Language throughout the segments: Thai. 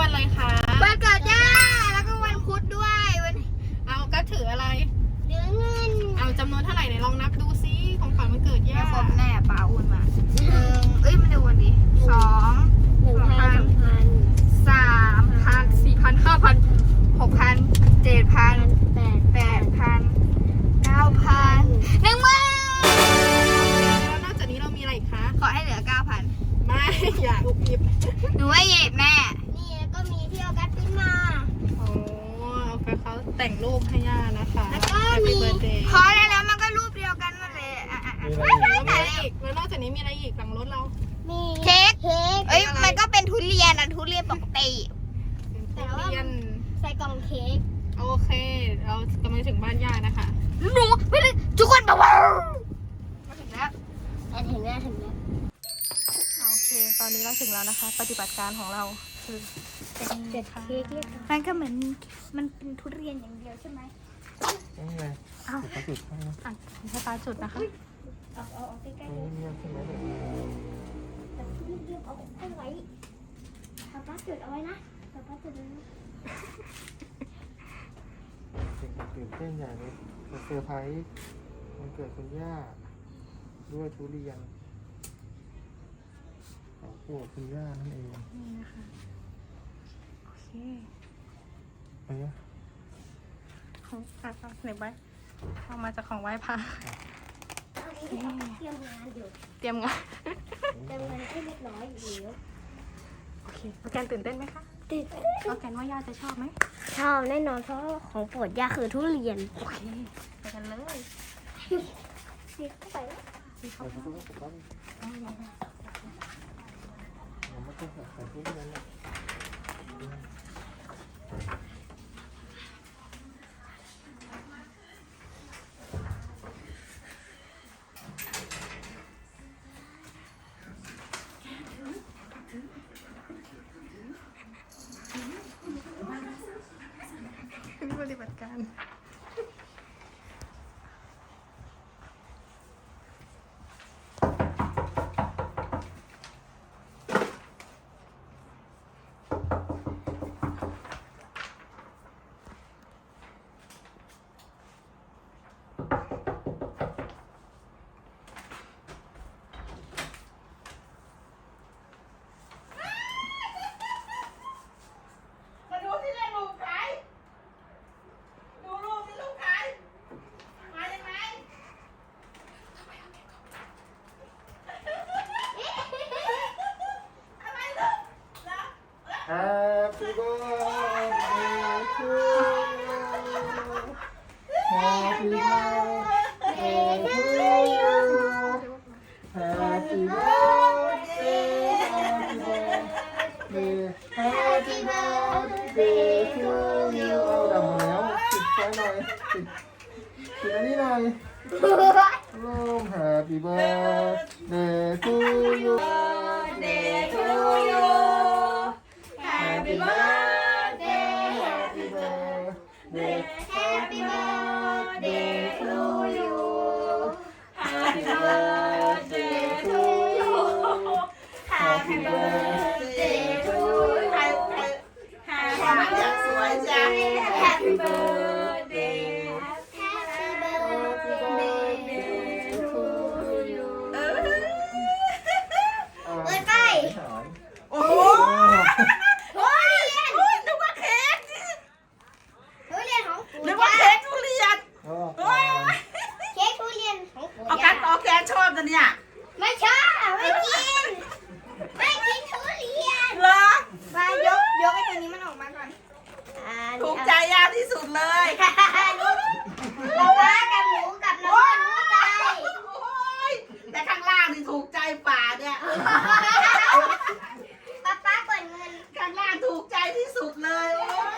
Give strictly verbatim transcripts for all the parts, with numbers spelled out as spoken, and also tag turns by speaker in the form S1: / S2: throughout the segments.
S1: วันอะไรคะ
S2: วันเกิดย่าแล้วก็วันพุธด้วยวัน
S1: เอาก็ถืออะไร
S2: เดือนเงิน
S1: เอาจำนวนเท่าไหร่ไหนลองนับดูซิของขวัญวันเกิดย่า
S2: ครบแน่ป้าอุ่นมาหนึ่งเอ้ยมาดูวันนี้สอง
S3: หนึ่งพันพัน
S2: สามพันสี่พันห้าพันหกพันเจ็ดพัน
S3: แปด
S2: แปดพันเก้าพันหนึ่งหมื่น
S1: แล้วนอกจากนี้เรามีอะไรอีกคะ
S2: ขอให้เหลือเก้าพัน
S1: ไม่อย่าอุบอิบ
S2: หนูว่าเย็บแม่
S3: นี่ก็มีที่เอากัดปิ้นมา
S1: โอ้เอาไปเขาแต่งรูปให้ย่านะคะ
S3: แล้วก็มี
S2: พอแล้วแล้วมันก็รูปเดียวกันนั่นเลยอ่ะอ่ะอ่ะ
S1: แล้วมีอะไรอีกแล้วนอกจากนี้มีอะไรอีกหลังรถเรา
S3: มี
S2: เค้ก
S3: เค้ก
S2: เอ้ยมันก็เป็นทุเรียนนะทุเรียนปกติ
S1: แต่ว่า
S3: ใส่กล่องเค้ก
S1: โอเคเรากำลังถึงบ้านย่านะคะ
S2: หนูไม่ได้ทุกคนบอกว่ามาถึงแล้ว
S3: ถึงแล้วถึงแล้ว
S1: โอเคตอนนี้เราถึงแล้วนะคะปฏิบัติการของเราคือ
S3: เจ็ดเค้กเรียก
S2: มันก็เหมือนมันเป็นทุเรียนอย่างเดียวใช่ไหม
S4: นี่ไงอ้าวจุดให้นะ
S1: อ่ะให้ตาจุดนะคะ
S3: เอาเอาเอาใกล้ๆ
S4: นี่เงียบใช่ไหมเด็ก
S3: แต่ที่เรียบเอาเอาไว้ป้าป้าจุดเอาไว้นะป้าป้าจุดเอาไว้นะ
S4: เด็กตื่นเต้นอย่างนี้จะเซอร์ไพรส์วันเกิดคุณย่าด้วยทุเรียนของโปรดคุณย่านั่นเอง
S1: นี่นะคะโอเค
S4: เอ๊ะ
S1: ของอ่ะเอาไหนไว้เอามาจากของไหว้พระ
S3: เตรียมงานอยู่
S1: เตรียมงาน
S3: เตรียมงานให้เรียบร้อยอยู่แล้ว
S1: โอเคโอแกนตื่นเต้นไหมคะ
S3: ตื่นเต้น
S1: โอแกนว่าย่าจะชอบไหม
S3: ชอบแน่นอนเพราะของโปรดย่าคือทุเรียน
S1: โอเคไปกันเลย
S3: ดีเข้าไปแล้ว
S4: ดีเข้าไปแล้วยังไม่ต้องใส่ทุเรียนเลย
S1: ปฏิบัติการ
S4: Happy birthday to you. Happy birthday to you. Happy birthday, happy birthday, happy birthday to you. เอาดับหมดแล้วปิดไฟหน่อยปิดปิดอันนี้หน่อยร่ม Happy birthday to you.
S2: Birthday to you
S4: Happy birthday, happy birthday, happy birthday to you. Happy birthday to you. Happy birthday to you. Happy birthday, happy birthday, happy birthday to you.
S2: เปิดไฟโอ้โหนึกว่าเค้กทุเรียนของปู่นึกว่าเค้กทุเรียนเค้กทุเรียนของปู่เอากันเอาแกชอบกันเนี่ยไม่ชอบไม่กินไม่กินทุเรียนเหรอมายกยกไอ้ตัวนี้มันออกมาก่อนถูกใจยาที่สุดเลยป๊าป๊ากับหนูกับน้องรู้ใจแต่ข้างล่างนี่ถูกใจป่าเนี่ยป๊าป๊าเปิดเงินข้างล่างถูกใจที่สุดเลย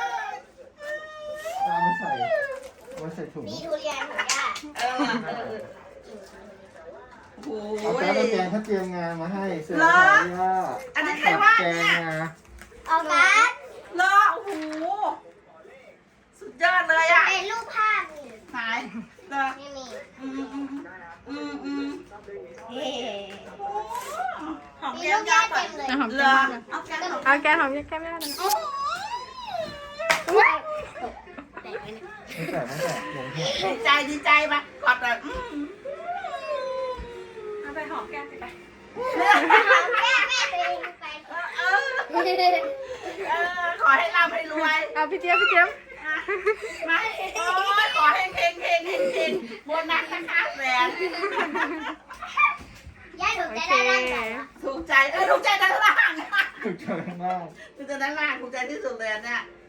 S4: เอามาใส่เอาใส่ถุง
S2: มีทุเรียนของย่าเออโอ้โห
S4: เอาแป๊บแกงเขาเตรียมงานมาให้เสื้อผ้าย่า
S2: อันนี้ใครว่าเนี่ยเอาการ์ดรอโอ้โหสุดยอดเลยอ่ะเป็นรูปภาพนี่ไหนรอนี่มีอืมอืมอืมอืมเฮ้หอมแก้มย่าเต็มเลยเหรอเอาแก้มหอมแก้มย่าหน่อย
S3: แตกไหมเนี่ย
S4: ไม่แตกไม่แตกหลงหัว
S2: ดีใจดีใจมากอดแบบเอาไปหอมแก้มไป
S3: แม่แม่ตัวเองไป
S2: เออเออขอให้ร่ำให้รวย
S1: เอาพี่เจี๊ยบพี่เจี๊ยบ
S2: มาโอ้ยขอให้เฮงเฮงเฮงเฮงโบนัสนะคะแหวน
S3: ยายถูก
S1: โอ
S3: ใจ
S1: เค
S3: ได้ร่างกาย
S2: ถูกใจเออถูกใจด้านล่าง
S4: ถูกใจมาก
S2: ถูกใจด้านล่างถูกใจที่สุดเลยเนี่ย